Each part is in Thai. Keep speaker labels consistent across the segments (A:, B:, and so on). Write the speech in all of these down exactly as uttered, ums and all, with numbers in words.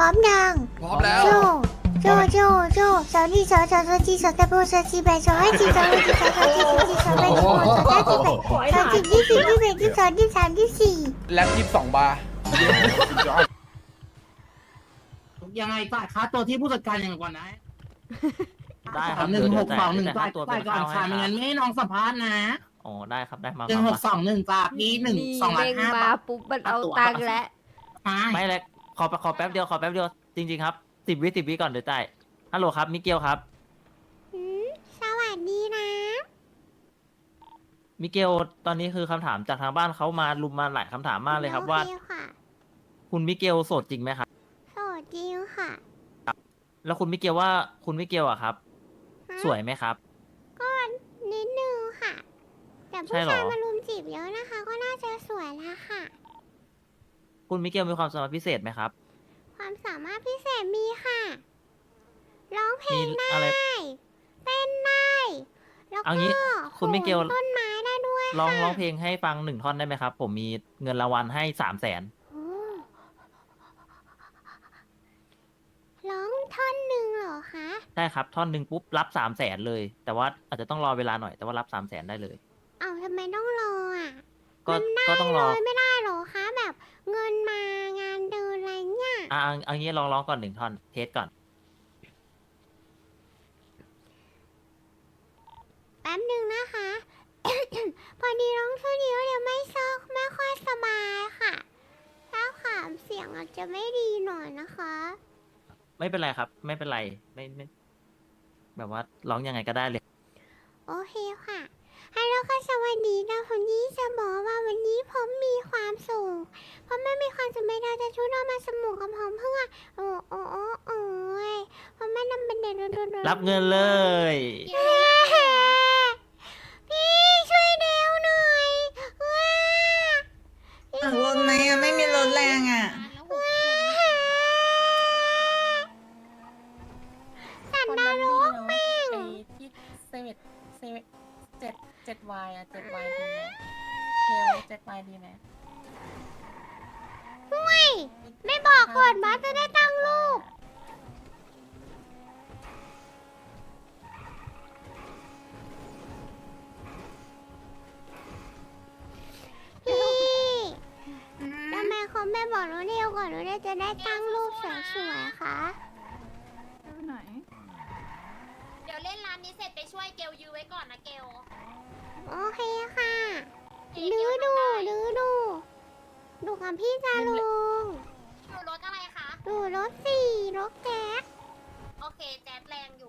A: ร้อมยัง
B: พร้อมแล้ว
A: โจโจโจโจสาวนี่สาวสาวสาวจีสาวตะโบสาวจีแบสาวให้จีสาวให้จีสาวสาวจีสาวจีสาวแบสาวสาวจีแบสาวจีที่สี่ที่แบที่สองที่สามที่สี่
B: แล็บยี่สิบสองบาร์
C: ยังไงจ่ายค่าตัวที่ผู้จัดการอย่างก่อนนะ
D: ได้ครับ
C: หนึ่งหกสองหนึ่ง
D: จ่า
C: จ่าย ย
D: ตัว
C: จ่า
D: เป็
C: ย
D: น
C: ก่อน
D: ข้าวให้
C: ค่ะไม่
D: ครั
C: งั้
D: บ
C: นไม่ให้น้องสัมภาษณ์นะ
D: อ๋อได้ครับได้มา
C: หนึ่งหกสองหนึ่งจ่าพี่หนึ่งสองล้าน
E: เด้ง
C: ห้า
E: มา
C: บาท
E: ปุ๊บมันเอาตังค์แล้ว
C: ใช่
D: ไม่เลยขอขอแป๊บเดียวขอแป๊บเดียวจริงๆครับสิบวิสิบวิก่อนเดี๋ยวจ่ายฮัลโหลครับมิเกลครับ
A: หืมสวัสดีนะ
D: มิเกลตอนนี้คือคำถามจากทางบ้านเขามาลุมมาหลายคำถามมากเลยครับว่า
A: โอเคค่ะ
D: คุณมิเกลโสดจริงไหมครับ
A: โสดจริงค่ะ
D: แล้วคุณมิเกลว่าคุณมิเกลอะครับ
A: ฮะ
D: สวยไหมครับ
A: ก็นิดนึงค่ะ แต่
D: ใช่
A: ผู้
D: เหรอ
A: ชายมารุมจีบเยอะนะคะ ก็น่าจะสวยแล้วค่ะ
D: คุณมิเกลมีความสามารถพิเศษไหมครับ
A: ความสามารถพิเศษมีค่ะ ร้องเพล
D: มี
A: งได้
D: อะไร
A: เต้นได้ แล้ว
D: เอา
A: ก็
D: งี้คุณมิเกล
A: โหนต้นไม้ได้ด้วย
D: ร้อง
A: ค่ะ
D: ร้องเพลงให้ฟังหนึ่งท่อนได้ไหมครับ ผมมีเงินรางวัลให้สามแสน
A: โอ้ร้องท่อนหนึ่งเหรอคะ
D: ได้ครับท่อนหนึ่งปุ๊บรับสามแสนเลย แต่ว่าอาจจะต้องรอเวลาหน่อยแต่ว่ารับสามแสนได้เลย
A: เอาทำไมต้องรออ่ะ
D: ก็
A: มันได้
D: ก็ต้องรอ
A: เลยไม่ได้เหรอคะ แบบเงินมางานเดินอะไรเงี้ย
D: อ่ะเอาเอางี้ลองร้องก่อนหนึ่งท่อนเทสก่อน
A: แป๊บหนึ่งนะคะ พอดีร้องท่อนเดียวเดี๋ยวไม่ซอกไม่ค่อยสบายค่ะ ถ้าขามเสียงอาจจะไม่ดีหน่อยนะคะ
D: ไม่เป็นไรครับ ไม่เป็นไรไม่ไม่แบบว่าร้องยังไงก็ได้เลย
A: โอเคค่ะฮัลโหลค่ะสวัสดีนะคนนี้จะบอกว่าวันนี้ผมมีความสุขเพราะไม่มีความสุขไม่ได้จะชุดเอามาสมุกกับผมเพื่อโอ้โอ้โอ้โอ้ยเพราะไม่นำเป็นเด็กโดน
D: รับเงินเลย
A: พี่ช่วยเดวหน่อยว้า
F: หลังรถไหมอ่ะ ไม่มีรถแรงอ่ะ
A: สันดานรกแม่ง
G: ไอ้ที่เซเว่นเซเว่นเจ็ดเจ็ดวายอะเจ็ดวายดีไหมเทลเจ็ดวายดีไหม
A: ห่วยไม่บอกก่อนมาจะได้ตั้งรูปพี่ทำไมเขาไม่บอกหนูเดียวก่อนหนูเดียวจะได้ตั้งรูปสวยๆคะ
G: ไหน
H: เดี๋ยวเล่นร้านนี้เสร็จไปช่วยเกลยื้อไว้ก่อนนะเกล
A: โอเคค่ะดูดูดูดูดูกับพี่จาลุง
H: อยู่รถอะไรคะ
A: ดูรถสี่รถแก๊ส
H: โอเค แจ๊ดแรงอยู่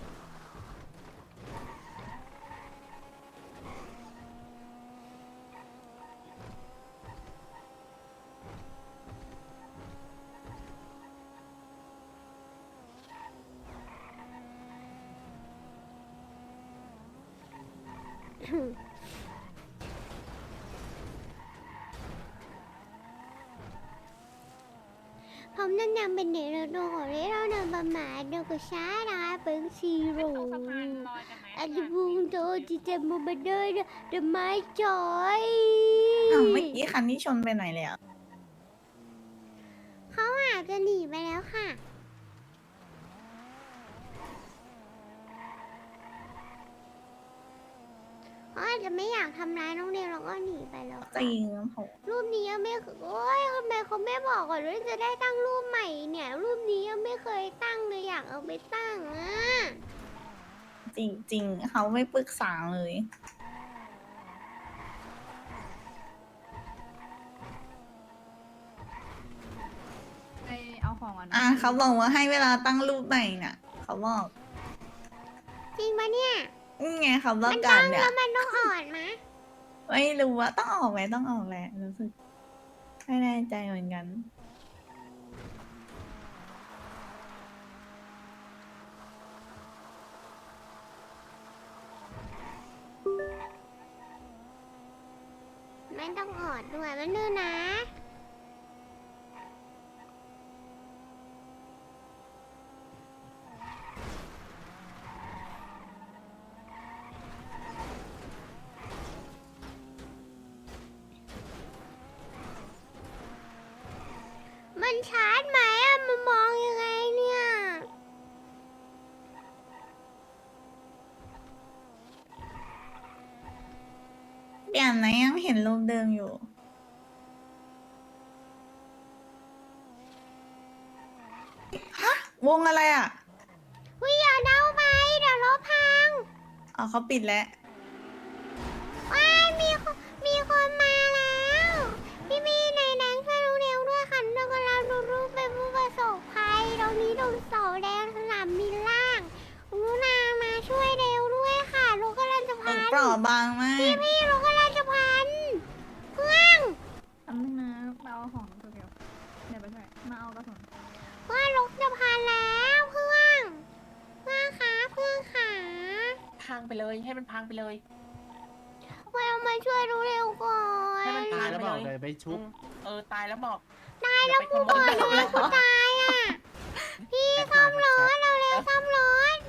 A: ผมนั่นยังเป็นเด็กเราดูของเล่นเราเดินประมาณดูกับช้านะเป็นซีโร่อันบุงโตที่จะมุมาเดินเดินไม้จอย
F: อ้าวเมื่อกี้คันที่ชนไปไหนเลยอ่ะ
A: เขาอาจจะหนีไปแล้วค่ะเขาอาจจะไม่อยากทำร้ายน้องเดียวแล้วก็หนีไปแล้ว
F: จริงโห
A: รูปนี้ยังไม่เคยโอ้ยทำไมเขาไม่บอกก่อนว่าจะได้ตั้งรูปใหม่เนี่ย รูปนี้ยังไม่เคยตั้งเลยอยากเอาไปตั้งอ่ะ
F: จริงจริงเขาไม่ปรึกษาเลย
G: ไปเอาของก่อนนะ
F: อ่ะเขาบอกว่าให้เวลาตั้งรูปใหม่น่ะ เขาบอก
A: จริงปะเนี่ย
F: นี่ไงเขาประ
A: มัน
F: กา
A: ตั้
F: ศ
A: ง
F: เนี่ย
A: แล้วมันต้องอ่อนมะ
F: ไม่รู้ว่าต้องออกไหมต้องออกแหละรู้สึกไม่แน่ใจเหมือนกัน
A: ไม่ต้องอ่อนด้วยมันดื้อนะ มันชาร์จไหมอะมันมอง
F: านนะยังเห็นรูปเดิมอยู่ ฮะ วงอะไรอ่ะ
A: วิอย่าเดาไปเดี๋ยวรถพัง
F: อ๋อเขาปิดแล้ว
A: ว้ายมีคนมีคนมาแล้ว พี่มีในแดงช่วยรู้เร็วด้วยค่ะเรากำลังดูรูปเป็นผู้ประสบภัยตรงนี้ตรงเสาแดงสนามบินล่างรุนามาช่วยเร็วด้วยค่ะลูกกำลังจะ
F: ต
A: พั
F: ก
A: น
F: เปราะบางมาก
A: พี่พี่ลูกกำลังจะพันเพื่อน
B: ทำนึงนะมาเอาของตัวเดียวเดี๋ยวไปช่วยมาเอากระสุน
A: เพื่อนลูกจะพันแล้วเพื่อนเพื่อนขาเพื่อนขา
G: พังไปเลย ให้มันพังไปเลย
A: มาเอามาช่วยรู้เร็วก่อน
G: ให้มัน
C: ตา
G: พั
C: ย
G: ง
C: แล้ว
G: ไป
C: บอก
G: เล
C: เลย
G: ย
C: ไปชุบ
G: อืมเออ ตายแล้วบอก
A: ตายแล้วกูบอกทำไมกูตายอ่ะพี่ซ่อมรถเราเร็วซ่อมรถ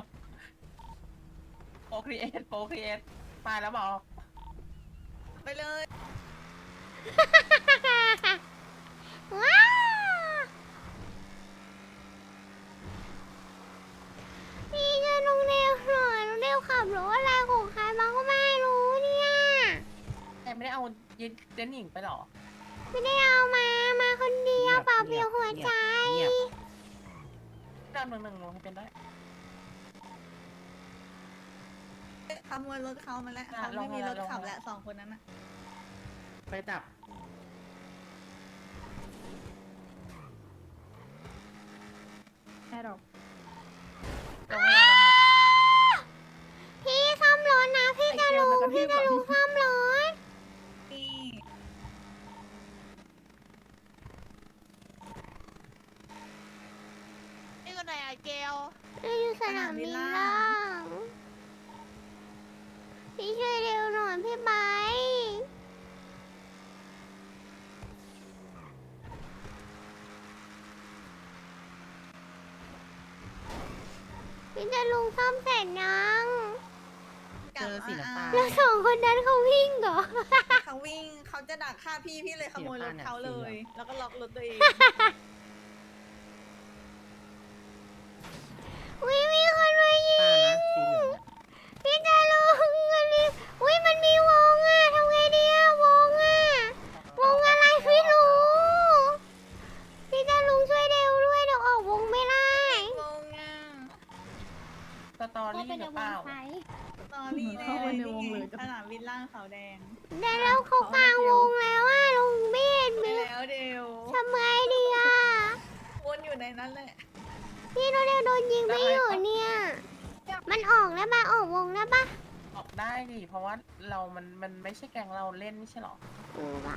G: โปรครีเอทโปรครีเอทตายแล้วบอก
F: ไปเลย
A: ว้าวพี่จะลงเร็วหน่อยลงเร็วขับรถอะไรของใครมาก็ไม่รู้เนี่ย
G: แต่ไม่ได้เอายึดเจนหญิงไปหรอ
A: ไม่ได้เอามา มาคนเดียวเปล่าเปลี่ยวหัวใจ
C: เงียบ
G: ดาวหนึ่งหนึ่งหนูให้เป็นได้
F: ขโมยรถเขามาแล้ว
G: อ่ะ
F: เขา
G: ล
F: ไม่
G: ง
F: มี
G: มาร
F: ถ
G: ลง
F: ขับ
G: มา
F: แล้วสองคนนั้นอ่ะ
C: ไปจับ
B: แอร์ดรอป
G: ลงให้เราลงให้
A: พี่ซ่อมรถนะ พี่จะลุงพี่จะลุงซ่อมรถ
F: นี่
H: นี่ก็ไหนอะเกล
A: อยู่สนามบินล่างพี่ช่วยเร็วหน่อยพี่ไบร์ทพี่จะลุงซ่อมเสร็จยัง
C: เจอสีน้ำตาล
A: แล้วสองคนนั้นเขาวิ่งเหรอ
F: เขาวิ่งเขาจะดักฆ่าพี่พี่เลยขโมยรถเขาเลย แล้วก็ล็อกรถตัวเอง
A: วิมีคนมายิ
C: ตาง นะสีเหลือง
A: พี่จะลุงมันมีวิมันมีวงอ่ะทำไงดีอ่ะวงอ่ะวงอะไรไม่รู้ พี่จะลุงช่วยเร็วด้วยเดี๋ยวออกวงไม่ได้
F: งงอ่ะ
G: สตอรี่หรือเปล่า
F: ตอนนี้แน่เลยนี่ไงสนามบินล่างเขาแดง
A: แต่แล้วเขากลางวงแล้วอ่ะลุงไม่เห็น
F: ไป
A: มี
F: แล้วเดียว
A: ทำไงดีอ่ะ
F: วนอยู่ในนั้นแหละ
A: พี่โดนเร็วโดนยิงไม่อยู่เนี่ย มันออกแล้วมาออกวงแล้วปะ
G: ออกได้ดิ เพราะว่าเรา มัน มันไม่ใช่แกงเราเล่นไม่ใช่หรอ
A: เออว่ะ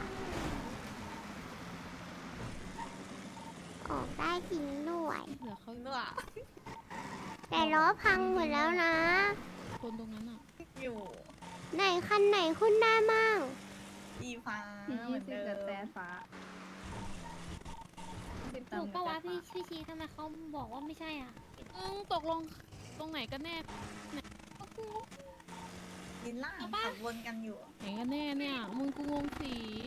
A: ออกได้จริงด้วย
E: เหลือเขา
F: ด้วย
A: แต่ล้อพังหมดแล้วนะ
E: คนตรงนั้นอ่ะ
F: อยู่
A: ไหนคันไหนขึ้นได้มั่ง
F: อีฟ้า
B: สี่
F: เหมื
B: ยี่
F: อน
B: สิบ
F: เดิ
B: แต่
F: ม
B: แต่ฟ้า
H: ถูกปะวะพี่พี่ชีทำไมเขาบอกว่าไม่ใช่อ่ะ
E: อืมตกลงตรงไหนกันแน่
F: บินล่างขับวนกันอยู่
E: ไหนกันแน่เนี่ย มึงกูงงสี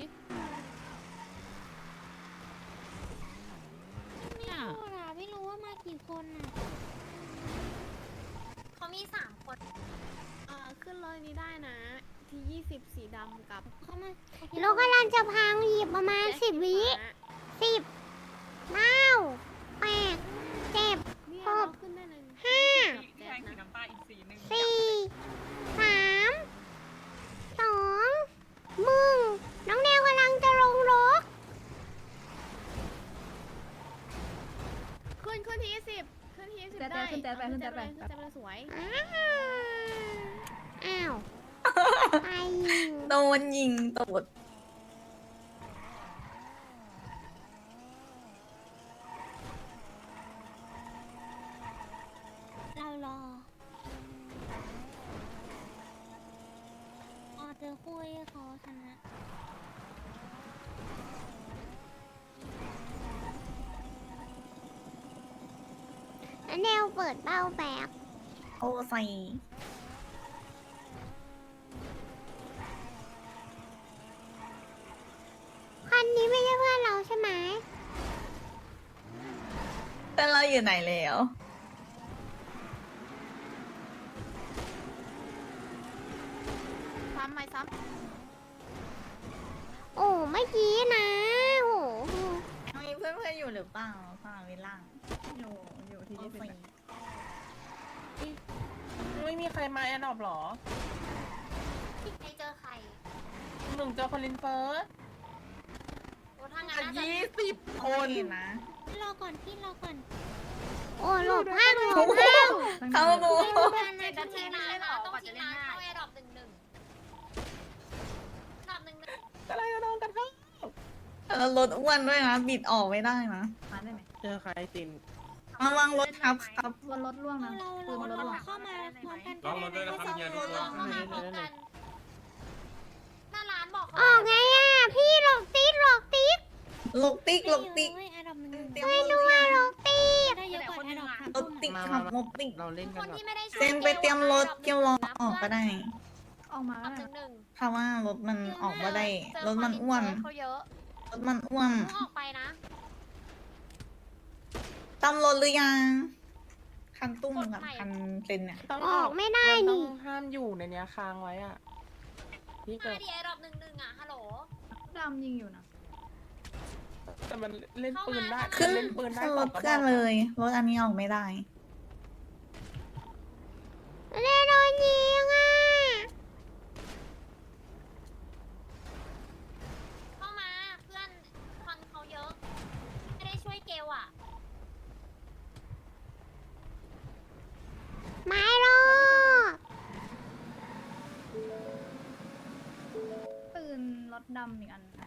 E: เนี่ย
H: พูดอะไม่รู้ว่ามากี่คนอ่ะ เขามีสามคน
I: อ่าขึ้นรถนี้ได้นะ ที่ยี่สิบสีดำกับ
H: เขามา
A: รถกำลังจะพังหยิบประมาณสิบวิสิบเก้าแปดเจ็ด
I: เนี่ย
A: ห
I: เรา
A: ก
I: ขึ้นได้เลย
A: ห้า
I: กับแจ๊ดนะ
A: สี่สามสองมึงน้องแนวกำลังจะลงรถ
I: ขึ้นขึ้นที่ยี่สิบขึ้นที่ยี่สิบ
B: แจ๊ด
I: ได้
B: ขึ้นแจ๊ดไปขึ้นแจ๊ดไป
I: ขึ้นแจ๊ดไปเลยสวย
A: อ้าวอ้าวไปยิง
F: โดนยิงตูด
H: เรารอออเจอคุยเขาชนะ
A: แล้วแนวเปิดเป้าแบก
F: โอ้ใส่
A: คันนี้ไม่ใช่เพื่อนเราใช่ไหม
F: แต่เราอยู่ไหนแล้ว
I: ซ้ำไหมซ้ำ
A: เมื่อกี้นะโห
F: มีเพื่อนเพื่อนๆอยู่หรือเปล่าสนามบินล่าง
B: อยู่อยู่ที่ยี่สิบ
G: ไม่มีใครมาแอนดอบหรอ
H: ใครเจอใคร
G: หนึ่งเจอคอลินเฟิร์ส
H: โอ้ทางงานน่าจะ
G: ยี่สิบคน
F: นะ
A: รอก่อนพี่รอก่อนโอ้หลบห้างหลบห้าง
F: เข้าดู
H: เจ็ดนาทีนานนะต้องทีนานเข้าแอร์ดรอปหนึ่งหนึ่งดรอปหนึ่งหนึ่ง
G: อะไรกันน้องกันทั้ง
F: แล้วรถอ้วนด้วยนะ บิดออกไม่ได้นะ
B: มาได้ไหม
C: เจอใครติน
F: ระวังรถครับครับ
B: บนรถล่วงนะ
A: เรา
B: ปืนบนรถ
A: เรา
B: ล่วง
A: เข้ามาพร้อมกัน
J: ลองรถด้วยนะครับเฮียทุกคน
H: เข้ามาพร้อมกันหน้าร้านบอกเขา
A: ออกไงอ่ะพี่หลบติ๊กหลบติ๊ก
F: ลกติ๊กลกติ๊ก
A: อันดับหนึ่ง
F: เตรียม
A: ไม่
F: ร
A: ดู
F: ถหรือ
A: อ่ะ
F: ยัง
A: หลบติ๊กได้เยอะกว่าอันดับสาม
F: รถติ๊กขับรถติ๊ก
C: เราเล่น
H: ค
C: กัน
H: น
C: แบบ
H: ที่ไม่ได้ช่วย
F: เซนไปเตรียมรถเกี่ยวรอออกก็ได้
B: ออกมา
H: ดร
B: แล้
H: อ
B: ว
H: ปหนึ่งหนึ่ง
F: เพราะว่ารถมันออกมาได้
H: เจอ
F: รถมันอ้วน
H: เขาเยอะ
F: รถมันอ้วน
H: เพิ่งออกไปนะ
F: ตำรถหรือยัง คันตุ้มกับคันเซนเนี่ย
G: ต้อง
A: ออกไม่ได้
G: ต้อ
A: นี่
G: งห้ามอยู่ในเนี้ยค้างไว้อ่ะพี่เกิ
H: มา
G: ด
H: ดีแอร์ดรอปหนึ่งหนึ่งอ่ะ ฮัลโหล
B: ดำยิงอยู่นะ
G: แต่มันเล่นปืนได้
F: ขึ้น
G: เล่นปืนได้
F: ขึ้นรถ
G: สงกระบก
F: เพื่อนเลย รถอันนี้ออกไม่ได้
A: เรโดนยิงอ่ะ
H: เข้ามาเพื่อนควันเขาเยอะ ไม่ได้ช่วยเกลอ่ะ
A: ไม่หรอก
B: ปืนรถดำอีกอันนะ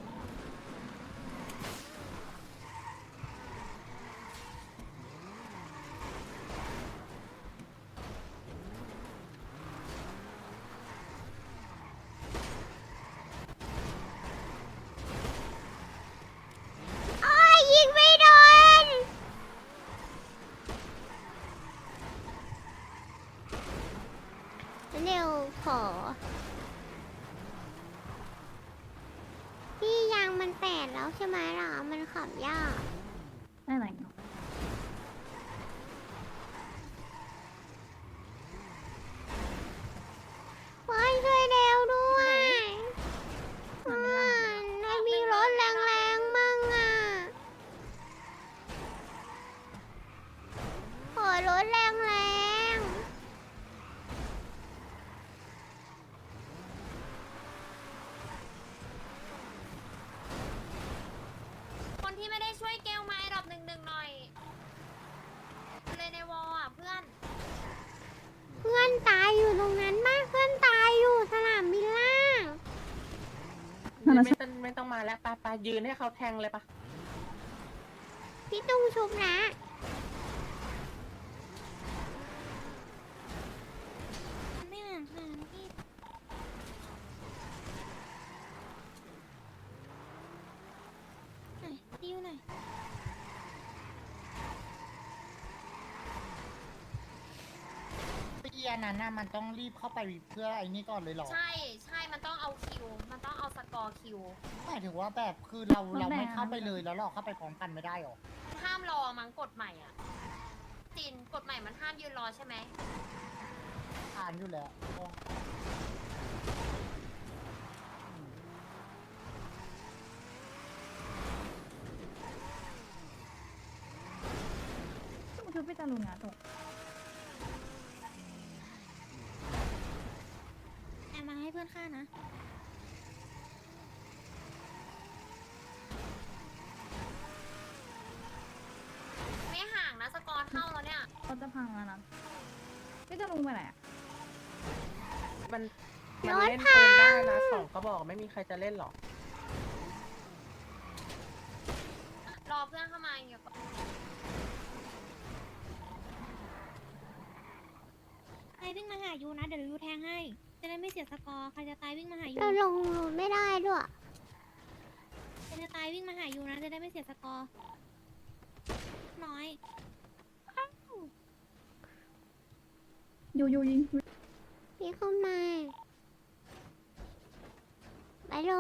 A: โอ้ยยิงไม่โดนเร็วขอ พี่ยางมันแตกแล้วใช่ไหมล่ะ มันขับยาก
B: ได้ไหนเนาะ
A: เฮ้ยช่วยเร็วด้วยเพื่อนไม่มีรถแรงๆมั่งอ่ะ ขอรถแรงๆ
H: คนที่ไม่ได้ช่วยเกลมาแอร์ดรอปหนึ่งหนึ่งหน่อย เลยในวอลอ่ะเพื่อน
A: เพื่อนตายอยู่ตรงนั้นมากเพื่อนตายอยู่สนามบินล่าง
G: ไม่ต้องไม่ต้องมาแล้วไปไปยืนให้เขาแทงเลยปะ
A: พี่ตุ้งชุบนะไม่ห่างค่ะพี่ไหนดิวหน่อย
C: เอียนั้นน่ะมันต้องรีบเข้าไปเพื่อไอ้นี่ก่อนเลยหรอ
H: ใช่ใช่มันต้องเอาคิว มันต้องเอาสกอร์คิว
C: หมายถึงว่าแบบคือเราเราไม่เข้าไปเลยแล้วเราเข้าไปพร้อมกันไม่ได้หรอ
H: ห้ามรอมั้งกฎใหม่อ่ะจินกฎใหม่มันห้ามยืนรอใช่ไหม
C: อ่านอยู่แล้ว
B: ต้องชุบพี่จารุนนะตก
A: แอบมาให้เพื่อนฆ่านะ
H: ไม่ห่างนะสกอร์เท่าแล้วเนี่ย
B: เขาจะพังแล้วนะพี่จารุนไปไหนอ่ะ
G: มันมันเล่นปืนได้นะสองกระบอกไม่มีใครจะเล่นหรอก
H: รอเพื่อนเข้ามาอย่างเงี้ยก่อน
A: ใครวิ่งมาหายูนะเดี๋ยวยูแทงให้ จะได้ไม่เสียสกอร์ ใครจะตายวิ่งมาหายูเราลงรถไม่ได้ด้วยใครจะตายวิ่งมาหายูนะจะได้ไม่เสียสกอร์ น้อย
B: ยูยูยิง
A: พี่เข้ามาไปเลย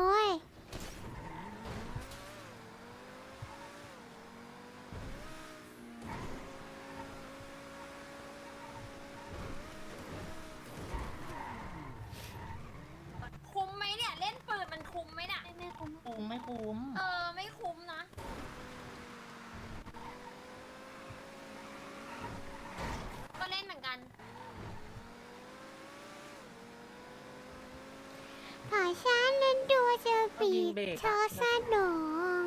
H: คุ้มไหมเนี่ย เล่นปืนมันคุ้มไหมเนี่ย
A: ไม่ไม่คุ้ม
C: คุ้มคุ้ม
H: เออ ไม่คุ้มนะ ก็เล่นเหมือนกัน
A: ขอฉันนั้นดูเจอปีกชอสะดอง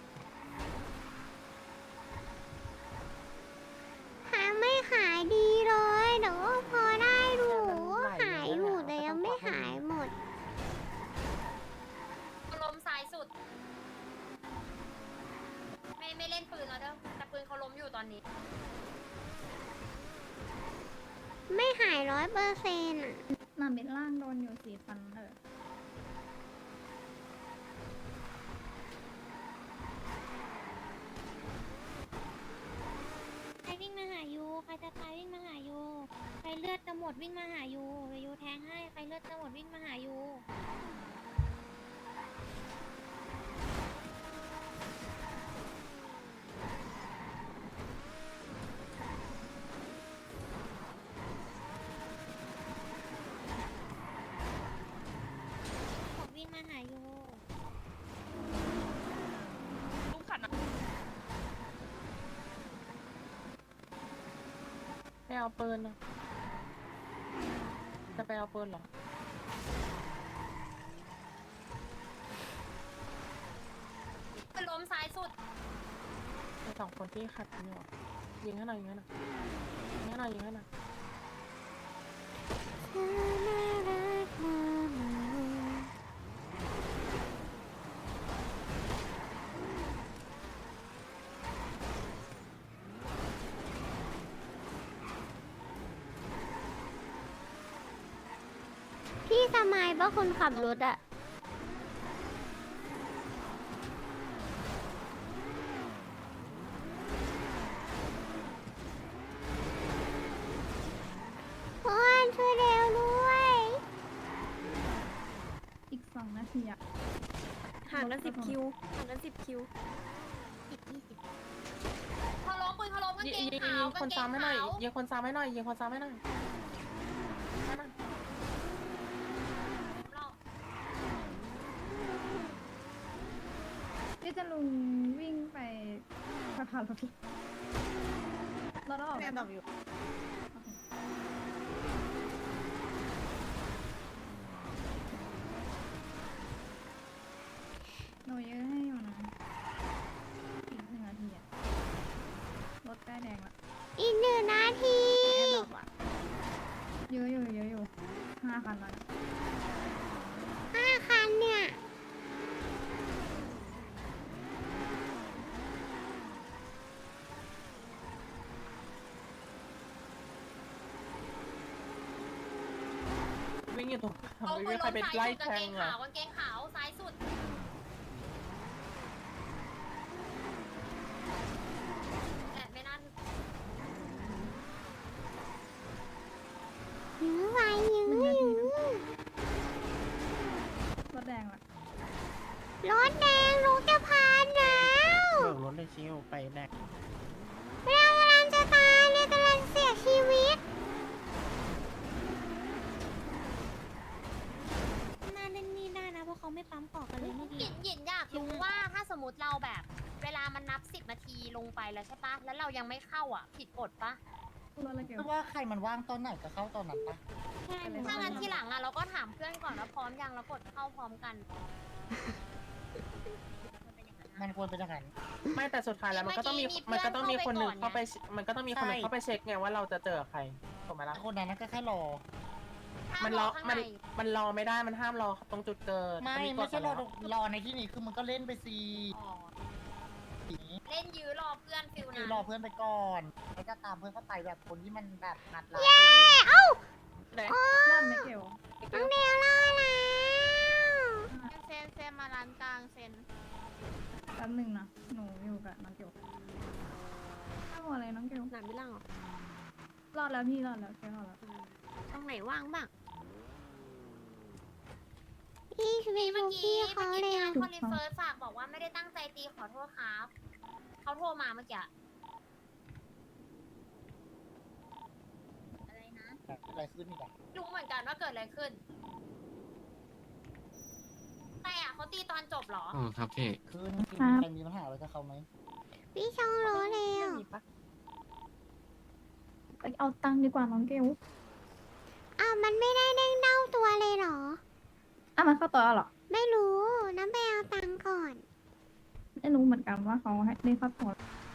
A: หาไม่หายดีเลยแต่ว่าพอได้ดูหายอยู่แต่ยังไม่หายหมด
H: ลมซ้ายสุด ไม่ไม่เล่นปืนแล้วเด้อแต่ปืนเขาล้มอยู่ตอนนี้
A: ไม่หายร้อยเปอร์เซ็นต์อ่ะ
B: หนาเบ็ดล่างโดนอยู่สี่พันเออ
A: ใครวิ่งมาหายูใครจะตายวิ่งมาหายูใครเลือดจะหมดวิ่งมาหายูเดี๋ยวยูแทงให้ใครเลือดจะหมดวิ่งมาหายูหมดวิ่งมาหายู
G: ไปเอาปืนนะจะไปเอาปืนเหรอ
H: ปืนล้มซ้ายสุด
G: ไอ้สองคนที่ขัดกันอยู่อะยิงให้หน่อยยิงให้หน่อยยิงให้หน่อยยิงให้หน่อย
A: พี่สมัยป่ะคนขับรถอะเพื่อนช่วยเร็วด้วย
B: อีกสองนาทีอะ
I: ห่างกันสิบคิว ห่างกันสิบคิว
H: เขาล้มปืนเขาล้มกาง
G: ยิง
H: เกง
G: ยิง
H: ขา
G: ยิ
H: ว
G: ง
H: กา
G: คน
H: งเก
G: ซ้ำ
H: ง
G: ให้หน่อย
H: ขาว
G: ยิงคนซ้ำให้หน่อยยิงคนซ้ำให้หน่อยให้หน่อย
H: เรา
B: ที่จะลุงวิ่งไปสะพานรถเราต้องออก
F: แม่บอกอยู่
B: หนูยื้อให้อยู่นะอีกหนึ่งนาทีอะรถใกล้แดงละ
A: อีกหนึ่งนาที
B: เยอะอยู่เยอะอยู่ห้าคันแล้วเนี่ย
A: ห้าคันเนี่ย
G: วิ่งอยู่ตรง
H: เอาปื
G: วิ่
H: น
G: งใคร
H: ล้ม
G: เป็น
H: ซ้าย
G: ไล่
H: สุด
G: แท
H: กางเก
G: ง
H: ง
G: อ่ะ
H: ขาวกางเกงขาวซ้ายสุดแต่ไม่น่าถึง
A: ยื้อไว้ยื้อยื้อ
B: รถแดงละ
A: รถแดงรถจะพานแล้ว
C: เบิกรถเลยชิวไปแดก
A: เรากำลังจะตายเนี่ยกำลังเสียชีวิตน่าเล่นนี่ได้นะเพราะเขาไม่ปั๊มปอกกันเลยเมื่อ
H: หยิ
A: กี้
H: นหยินอยากรู้ว่าถ้าสมมติเราแบบ เวลามันนับสิบนาทีลงไปแล้วใช่ปะแล้วเรายังไม่เข้าอ่ะ ผิดกฎปะ
B: รถอะไรเกี่ยว
C: คือว่าใครมันว่างตอนไหนก็เข้าตอนนั้นปะ
A: ใช่หนู
H: ถ้างั้นทีหลังอ่ะเราก็ถามเพื่อนก่อนว่าพร้อมยังแล้วกดเข้าพร้อมกัน
C: มันควรเป็นอย่างนั้น
G: ไม่แต่สุดท้ายแล้วมันก็ต้องมี
H: เมื่
G: มัน
H: อกี้
G: ก็ต้องมีคนหนึ่ง
H: มีเพื่อน
G: เข้าไปมันก็ต้องมีคนหนึ่ง
C: ใช่
G: เข้าไปเช็คไงว่าเราจะเจอใครถูกไหมล่ะ
C: คนนั้นก็แค่รอ
H: ห้า
G: มัน
H: ร
G: ร
H: อ
G: อ
H: ข้าง
G: มัน
H: ใน
G: มันรอไม่ได้มันห้ามรอตรงจุดเกิด
C: ไม่
G: นก
C: ไม่
G: ฎ
C: ใช่รอ
G: แล้ว
C: รอในที่นี้คือมึงก็เล่นไปสิ
H: อ๋อเล่นยื้อรอเพื่อนฟิล
C: คือ
H: นะ
C: รอเพื่อนไปก่อนแล้วก็ตามเพื่อนเข้าไปแบบคนที่มันแบบนัดเรา
A: เอ้า
G: ไหน
B: รอดไม่เกี่ยว
A: น้องเดวรอดแล้ว
I: เซนเซนมาร้านกลางเซน
B: แป๊บหนึ่งนะหนูอยู่กับน้องเกียวถ้าหมดอะไรน้องเกียว
I: หนังไม่ล่างเหรอ
B: รอดแล้วพี่รอดแล้วแกรอดแล้ว
I: ตรงไหนว่างบ้าง
A: พี่ชีวิต
H: เมื่
A: ลู
H: อก กี้
A: พี่
H: เมื่
A: เขา
H: อกี้
A: เร็
H: พี่
A: ว
H: อันคอลินเฟิร์สฝากบอกว่าไม่ได้ตั้งใจตีขอโทษครับเขาโทรมาเมื่อกี้อะไรนะ
C: อะไรขึ้นอีกอะ
H: รู้เหมือนกันว่าเกิดอะไรขึ้น แต่อะเขาตีตอนจบเหรอ
J: อ๋อครับพี่
C: คือจริงๆมีใครมีปัญหาอะไรกับเขาไหม
A: พี่ชองรู้แล้ว
B: ไปเอาตังค์ดีกว่าน้องเกล
A: อ้าวมันไม่ได้เด้งเด้าตัวเลยเหรอ
B: อ่ะมันเข้าตัวแล้วเหรอ
A: ไม่รู้น้ำไปเอาตังค์ก่อน
B: ไม่รู้เหมือนกันว่าเขาให้ได้เข้าตัว
A: อ